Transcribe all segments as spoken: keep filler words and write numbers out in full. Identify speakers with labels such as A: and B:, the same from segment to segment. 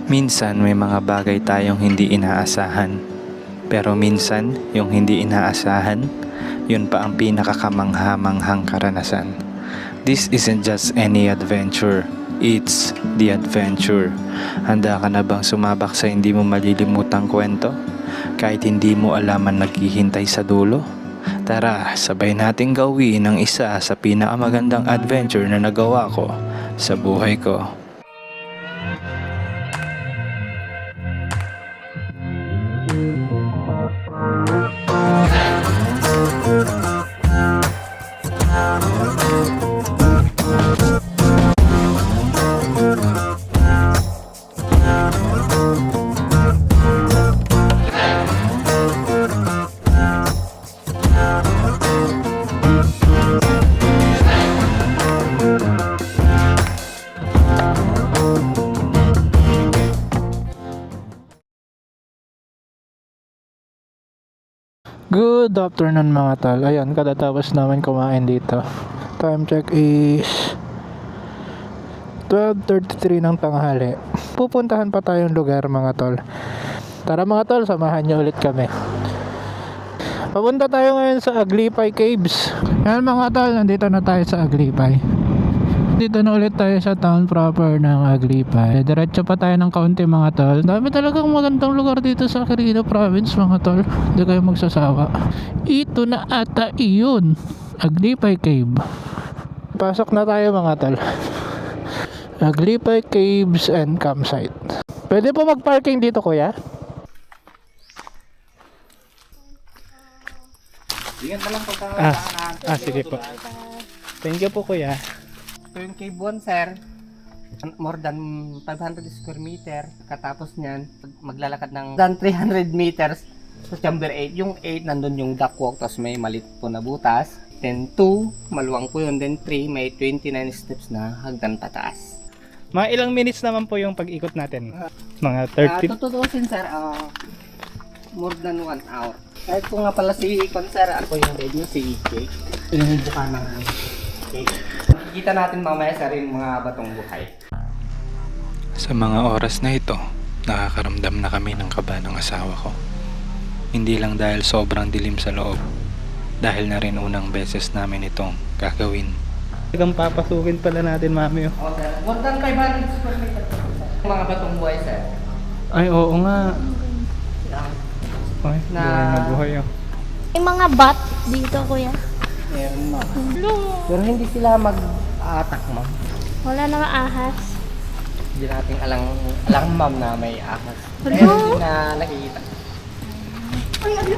A: Minsan may mga bagay tayong hindi inaasahan. Pero minsan, yung hindi inaasahan, yun pa ang pinakakamangha-manghang karanasan. This isn't just any adventure. It's the adventure. Handa ka na bang sumabak sa hindi mo malilimutang kwento? Kahit hindi mo alam ang naghihintay sa dulo? Tara, sabay nating gawin ang isa sa pinakamagandang adventure na nagawa ko sa buhay ko.
B: Good afternoon mga tol. Ayun, katatapos namin kumain dito. Time check is twelve thirty-three ng tanghali. Pupuntahan pa tayong lugar mga tol. Tara mga tol, samahan niyo ulit kami. Papunta tayo ngayon sa Aglipay Caves. Ayan mga tol, nandito na tayo sa Aglipay. Dito na ulit tayo sa town proper ng Aglipay. Diretso pa tayo ng kaunti mga tol. Dami talagang magandang lugar dito sa Quirino Province mga tol. Hindi kayo magsasawa. Ito na ata iyon. Aglipay Cave. Pasok na tayo mga tol. Aglipay Caves and Campsite. Pwede po mag-parking dito kuya?
C: Ingat na lang pagka
B: Ah, ah sige po. Thank you po kuya.
C: ito yung cave one sir, more than five hundred square meter. Katapos niyan maglalakad ng than three hundred meters sa chamber eight. Yung eight nandun yung ductwalk, tapos may malit po na butas. Then two, maluwang po yun. Then three, may twenty-nine steps na hagdan pataas.
B: Mga ilang minutes naman po yung pag-ikot natin? Mga
C: Uh,
B: thirty?
C: tututusin sir, uh, more than one hour. Kahit po nga pala si Ikon sir, ako yung head nyo, si Ike. Yung buka ng cake. Makikita natin mamaya sir yung mga batong buhay.
A: Sa mga oras na ito, nakakaramdam na kami ng kaba ng asawa ko. Hindi lang dahil sobrang dilim sa loob, dahil na rin unang beses namin itong gagawin.
B: Hanggang papasukin pala natin mami oh.
C: O sir, more than five hundred square meter po sir. Mga batong buhay sir.
B: Ay oo nga.
C: Yan.
B: Ay,
C: Na-
B: buhay na buhay oh.
D: May mga bat dito, kuya.
C: Meron ma.
D: Hello.
C: Pero hindi sila mag-attack ma'am.
D: Wala na ahas.
C: Hindi natin alang, alang ma'am na may ahas.
D: Hello?
C: Pero hindi na nakikita.
D: Ay, ala.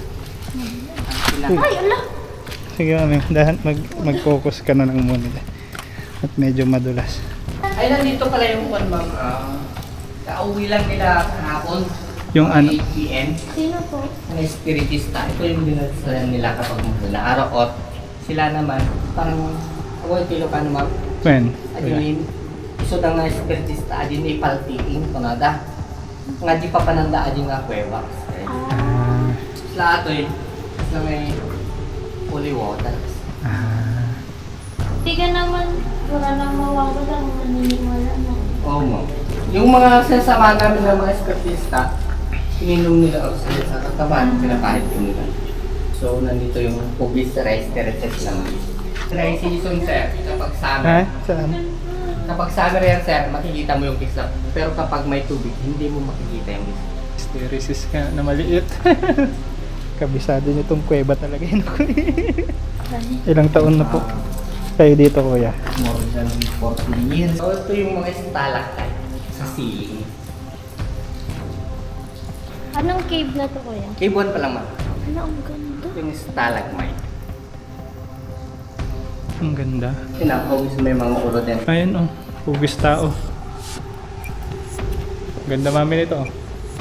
C: Sila.
D: Ay, ala.
B: Sige mami, dahan mag mag-focus ka na lang muna. At medyo madulas.
C: Ay, nandito pala yung one ma'am. Uh, kauwi lang nila kahapon.
B: Yung ano?
C: eight p m
D: Sino po?
C: Ang espiritista. Ito yung dinadasalan nila kapag mula araw at sila naman, parang ako yung tilo ka naman.
B: When?
C: Adinin, iso na nga espiritista, adin ni paltiing kunada. Nga di pa pananda adin nga kuweba.
B: Ah.
C: Sila ito eh, sila may holy water.
B: Ah.
D: Hindi ka naman, wala nang mawawala lang, naniniwala na.
C: Oo mo. Yung mga sasama namin ng mga espiritista, ininom nila ako sa sa katawan, pinapahit ko nila. So, nandito yung pubis rice terraces lang. Dry season, sir, kapag
B: Ha?
C: summer.
B: Saan?
C: Kapag summer yan, sir, makikita mo yung kislap. Pero kapag may tubig, hindi mo makikita yung kislap.
B: Stereosis ka na maliit. Kabisado niyo tong kuweba talaga yun. Ilang taon na po kayo dito kuya?
C: More than forty years. So, ito yung mga stalactite sa ceiling.
D: Anong cave na to, kuya?
C: Cave one pa lang, ma'am.
D: Ano, ang ganda.
C: Yung stalagmite.
B: Ang ganda.
C: Tinapawis may mga ulo din.
B: Ayun oh, hugis tao. Ganda mami nito oh.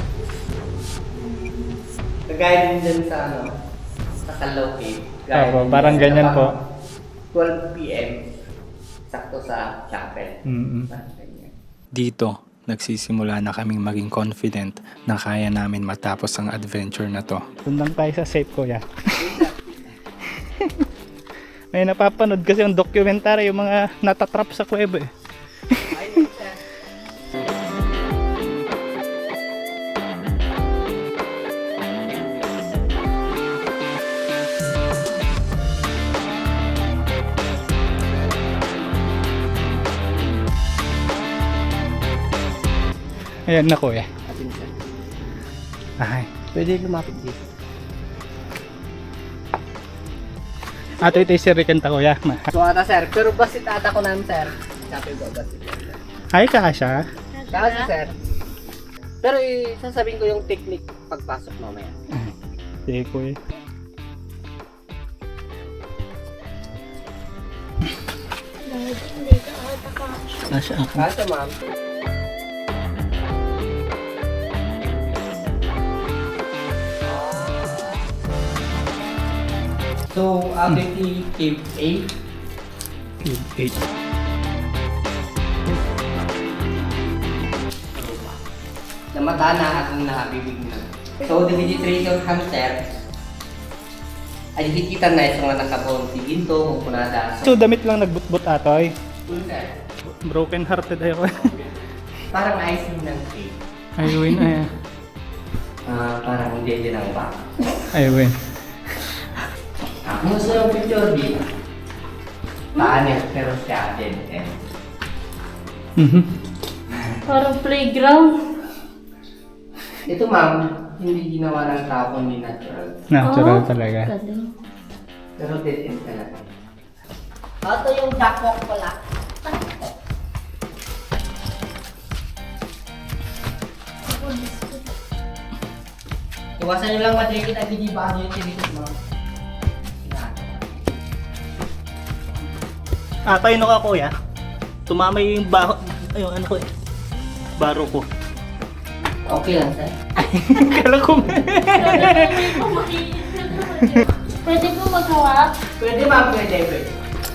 C: Kagaya din dyan sa ano, sa Kalaw Cave. Gaya
B: Opo,
C: din
B: parang
C: dyan
B: ganyan
C: kapag
B: po.
C: twelve p m sakto sa chapel.
B: Mm-mm.
A: Dito, nagsisimula na kaming maging confident na kaya namin matapos ang adventure na to.
B: Tundang tayo sa safe kuya. May napapanood kasi yung documentary yung mga natatrap sa kuweba eh. Ayan na kuya.
C: Atin siya.
B: Ay.
C: Pwede lumapit dito.
B: Ato ito isirikan ta kuya.
C: So ata sir, pero basit ata ko namin sir. Sabi ko basit.
B: Ay kasha.
C: Kasi sir. Pero eh, sasabihin ko yung technique pagpasok mamaya.
B: Sige kuya.
D: Dahil hindi ka ata kasha.
B: Kasha ako.
C: Kasi ma'am. So, ating cave eight.
B: eight.
C: Namata na akong nakabibig na. So, the vegetation hamster ay hikita na isang nga nakabon si Ginto, Kukunada.
B: So damit lang nagbutbut atoy.
C: Full sir.
B: Broken hearted ako.
C: Parang icing ng cake.
B: Ay win ay.
C: Ah, parang hindi din ang ba.
B: Ay win.
C: Ako sa picture di. Taanit pero siya din. Eh.
B: Mhm.
D: Parang playground.
C: Ito ma'am, hindi ginawa ng tao kundi natural.
B: Natural
D: Oh,
B: talaga.
D: galing.
C: Pero dead end talaga. Ito yung duckwalk pala. Iwasan nyo lang madikit at hindi bago yung tinitis mo.
B: Ah, tayo no ka kuya. Tumama yung baho, ayun ano ko eh. Baro ko.
C: Okay lang sir.
B: Kala ko.
D: Pwede po maghawak?
C: Pwede ma'am, pwede, pwede.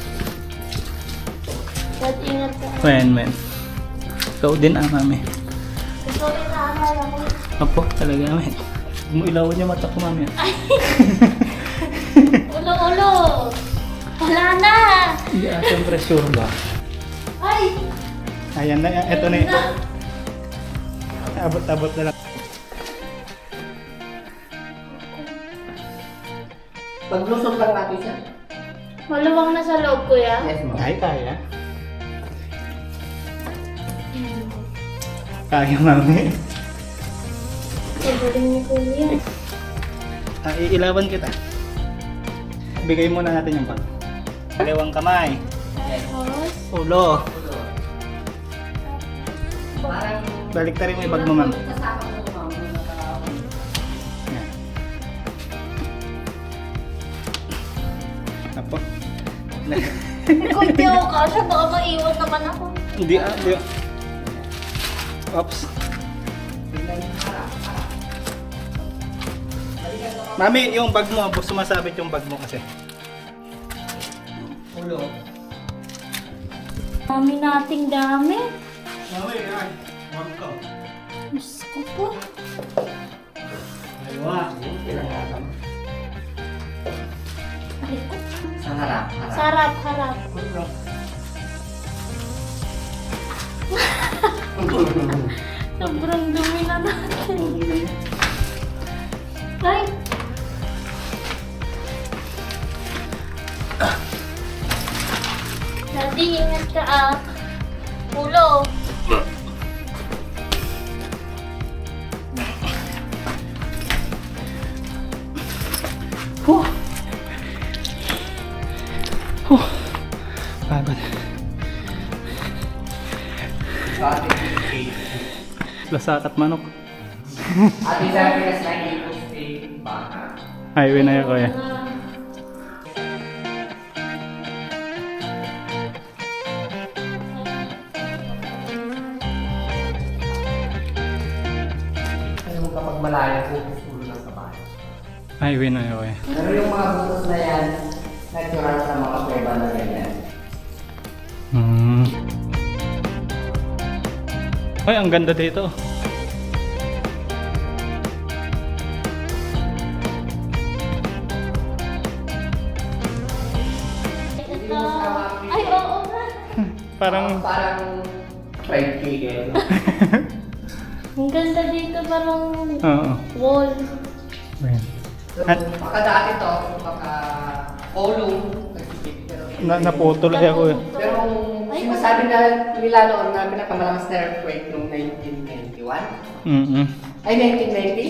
D: But ingat ka.
B: Men, men. Ikaw din ang mami.
D: Ito rin naaalala ko.
B: Apo, talaga men. Umuilawan niya mata ko mami.
D: Ulo-ulo! Wala na!
B: Hindi ah, siyempre sure ba?
D: Ay!
B: Ayan na, eto na yun. Abot-abot na lang.
C: Paglusot lang natin siya.
D: Maluwang na sa loob, kuya.
C: Yes ma'am.
B: Ay, kaya. Kaya mami.
D: Galing ni kuya.
B: Ah, iilawan kita. Bigay muna natin yung bag. Dalawang kamay.
D: Tapos,
B: Ulo.
C: Parang
B: Balik ta rin mo yung bag mo ma'am.
C: kasama ko ma'am.
B: Yan. Apo.
D: kung di ako kasha, baka maiwan naman ako.
B: Hindi ah, hindi. Oops. Mami, yung bag mo, sumasabit yung bag mo kasi.
C: Ulo.
D: Dami nating dami.
B: Mami, ay. Bag ko.
D: Diyos ko po.
B: Aywa.
C: Pinangatan.
D: Ay ko.
C: Sa harap. Harap.
D: Sarap, harap. Sobrang dumi na natin. Ay! Daddy, ingat ka ah. Ulo.
B: Huh. Huh. Pagod. Lasakat manok.
C: Ate sabi kasi lagi po steak baka.
B: Ay, winaya ko ya.
C: Ano kapag malayo po ulo ng kabayo.
B: Ay, winaya ko ya.
C: Pero yung mga butos na yan, natural sa mga kuweba na ganyan.
B: Hmm. Ay, ang ganda dito.
D: Ito. Ay, oo nga.
B: Parang
C: Parang fried chicken.
D: Ang ganda dito, parang
B: oo.
D: wall.
B: Ayan.
C: So,
B: At-
C: baka dati to, baka kolong, nagsikip. Pero,
B: Na naputol ay ako. eh.
C: pero
D: Ay,
C: sinasabi na nila noon na pinakamalakas na earthquake noong nineteen ninety-one.
A: Mm-mm.
C: Ay, nineteen ninety?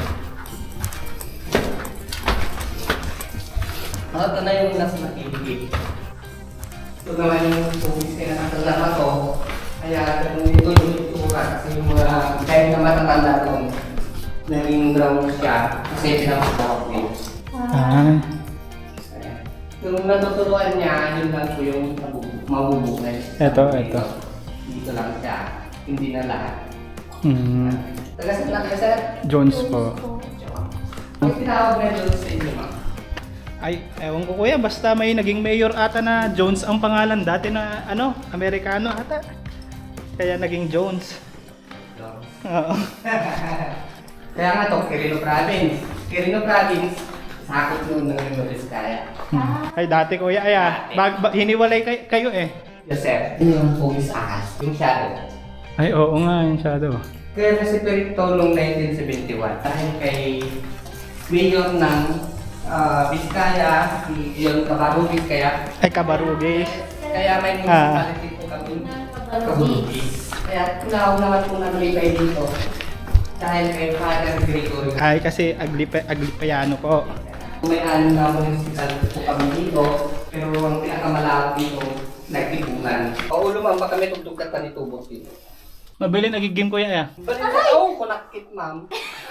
C: Oh, ito na yung nasa nakikip. Ito naman yung tubig na nakasalama to. Kaya ito yung itura kasi yung mga dahil na matatanda doon. Naging ground siya kasi pinapakawak niya.
A: Ah.
C: Yung natuturuan niya, yun lang po yung mabubukay.
A: Eto, eto.
C: Dito lang siya, hindi na lahat.
A: Mm.
C: Taga saan lang kayo, sir?
A: Jones po.
C: Ang tinawag na doon sa inyo, ma'am?
A: Ay, ewan ko kuya, basta may naging mayor ata na Jones ang pangalan. Dati na, ano, Amerikano ata. Kaya naging Jones. Oo.
C: Kaya nga to, Quirino Province. Quirino Province, sakot noon ng Memorias Kaya.
A: Ay, dati kuya, ay ah, bag, ba, hiniwalay kay, kayo eh.
C: Yes, sir. Yun yung Pugis Ahas, yung shadow.
A: Ay, oo nga, yung shadow.
C: Kaya na si Perito noong nineteen seventy-one, dahil kay mayor ng uh, Vizcaya, yung Cabarugis kaya.
A: Ay, Kabarugis.
C: Kaya may municipality po kami. Cabarugis. Kaya tinawag naman po namin kayo dito. Dahil kay Father Gregory.
A: Ay, kasi Aglipa, Aglipayano po.
C: May anim na municipality po kami dito, pero ang pinakamalawak dito, nagtipunan. Oo, lumang ba kami tugtugat pa ni Tubos dito.
A: Mabili nagigim kuya eh.
C: Balik na, oo, kunakit ma'am.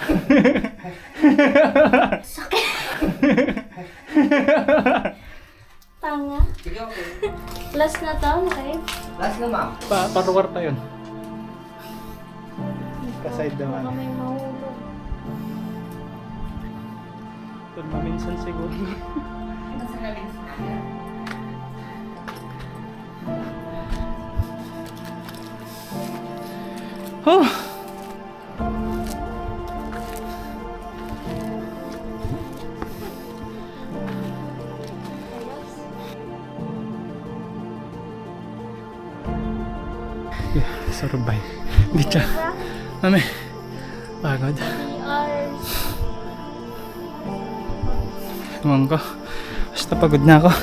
D: Tanga.
C: Sige, okay.
D: Last na to, okay?
C: Last na ma'am.
A: Pa, paruwar pa yun. Kaside naman.
D: Baka may mahulog.
A: Doon maminsan siguro.
C: Kasi namin sa kanya.
A: Oh! Yeah, survive. Hindi siya. Mami, pagod.
D: Three hours.
A: Ewan ko. Basta pagod na ako.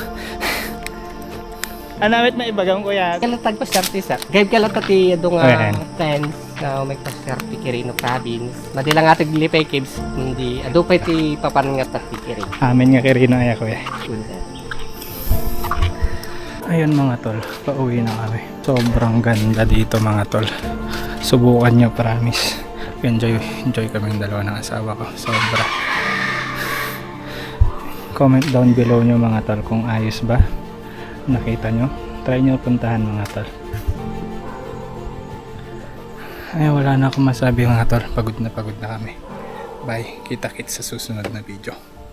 A: Anawit na ibagam kuya.
C: Kalatag pa siyarte sa. Gayb kalatati yung
A: Ayan.
C: friends na may pa-siyarte Quirino Province. Madilang ating Lipay Caves, hindi. Ado pa iti papangat at Quirino.
A: Amin nga kirino ay kuya.
C: Good.
A: Ayun mga tol, pauwi na kami. Sobrang ganda dito mga tol. Subukan nyo, promise. Enjoy, enjoy kaming dalawa ng asawa ko. Sobra. Comment down below nyo mga tol kung ayos ba. Nakita nyo. Try nyo puntahan mga tol. Ay, wala na akong masabi mga tol. Pagod na pagod na kami. Bye. Kita-kits sa susunod na video.